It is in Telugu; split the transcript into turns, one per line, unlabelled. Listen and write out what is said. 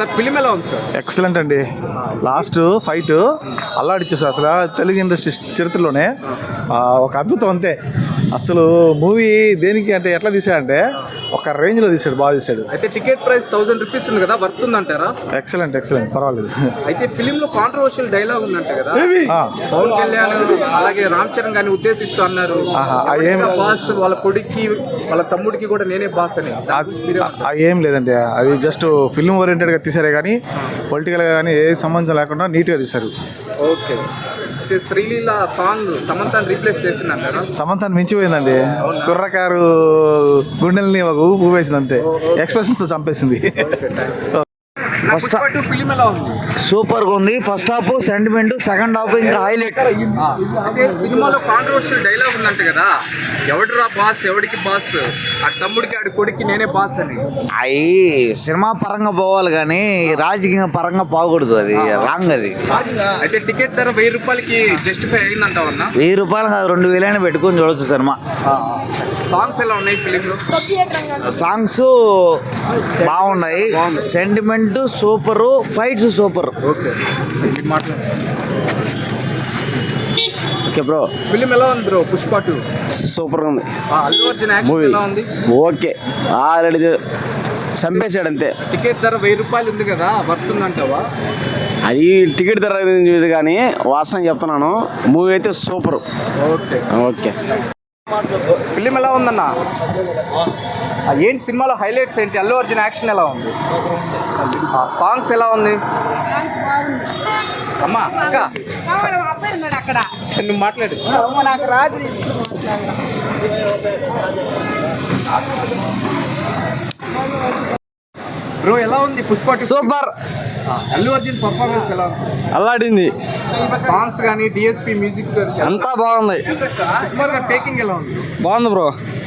సార్ ఫిలిం ఎలా ఉంది సార్?
ఎక్సలెంట్ అండి. లాస్ట్ ఫైట్ అల్లాడిచ్చేసారు. అసలు తెలుగు ఇండస్ట్రీ చరిత్రలోనే ఒక అద్భుతం అంతే. అసలు మూవీ దేనికి అంటే ఎట్లా తీసాడంటే ఒక రేంజ్లో తీసాడు, బాగా తీసాడు.
అయితే టికెట్ ప్రైస్ 1000 రూపీస్ ఉంది కదా, వర్త్ ఉందంటారా?
ఎక్సలెంట్ పర్వాలేదు.
అయితే ఫిలిం లో కాంట్రవర్షియల్ డైలాగ్ ఉందంట కదా, పవన్ కళ్యాణ్ అలాగే రామ్ చరణ్ గారిని ఉద్దేశిస్తూ అన్నారు, బాస్ వాళ్ళ కొడుక్కి వాళ్ళ తమ్ముడికి కూడా నేనే బాస్ అని.
ఏం లేదండి, అది జస్ట్ ఫిల్మ్ ఓరియంటెడ్గా తీసారే కానీ పొలిటికల్గా కానీ ఏ సంబంధం లేకుండా నీట్గా తీశారు.
ఓకే. అయితే శ్రీలీల సాంగ్ సమంతాన్ని రీప్లేస్ చేసిందంటారా?
సమంతాన్ని మించిపోయిందండి. కుర్రకారు గుండెల్ని ఒక ఊపు వేసింది అంతే, ఎక్స్ప్రెషన్స్తో చంపేసింది.
ఫిలిం ఎలా ఉంది?
సూపర్ గా ఉంది. First half sentiment, second half ఇంకా హైలైట్.
అంటే సినిమాలో కాంట్రవర్షియల్ డైలాగ్ ఉందంట కదా, ఎవడురా బాస్, ఎవడికి బాస్, ఆ తమ్ముడికి ఆడి కొడుక్కి నేనే బాస్ అని.
అవి సినిమా పరంగా పోవాలి కానీ రాజకీయ పరంగా పోకూడదు, అది రాంగ్. అది
అయితే టికెట్ ధర 1000 రూపాయలకి జస్టిఫై అయిందంటావన్నా?
1000 రూపాయలు కాదు, 2000 పెట్టుకొని చూడొచ్చు సినిమా.
సాంగ్స్ ఎలా ఉన్నాయి ఫిలింలో?
సాంగ్స్ బాగున్నాయి, sentiment super, fights super.
Okay
okay bro.
Film ఎలా ఉంది బ్రో? పుష్ప 2
సూపర్ ఉంది.
అల్లు అర్జున్ యాక్షన్ ఎలా ఉంది?
ఓకే, ఆల్రెడీ చంపేశాడు అంతే.
టికెట్ ధర 1000 రూపాయలు ఉంది కదా, వర్త్ ఉందంటావా?
అది టికెట్ ధర చూసి కానీ వాస్తవం చెప్తున్నాను, మూవీ అయితే సూపర్.
Okay
okay.
ఫిలిం ఎలా ఉందన్న? ఏంటి సినిమాలో హైలైట్స్ ఏంటి? అల్లు అర్జున్ యాక్షన్ ఎలా ఉంది? సాంగ్స్ ఎలా ఉంది? అమ్మా అక్క నువ్వు మాట్లాడు. బ్రో ఎలా ఉంది పుష్ప 2?
సూపర్.
అల్లు అర్జున్ పర్ఫార్మెన్స్ ఎలా ఉంది?
అల్లాడింది.
సాంగ్స్ కానీ డిఎస్పి మ్యూజిక్
అంతా బాగుంది.
టేకింగ్ ఎలా ఉంది?
బాగుంది బ్రో.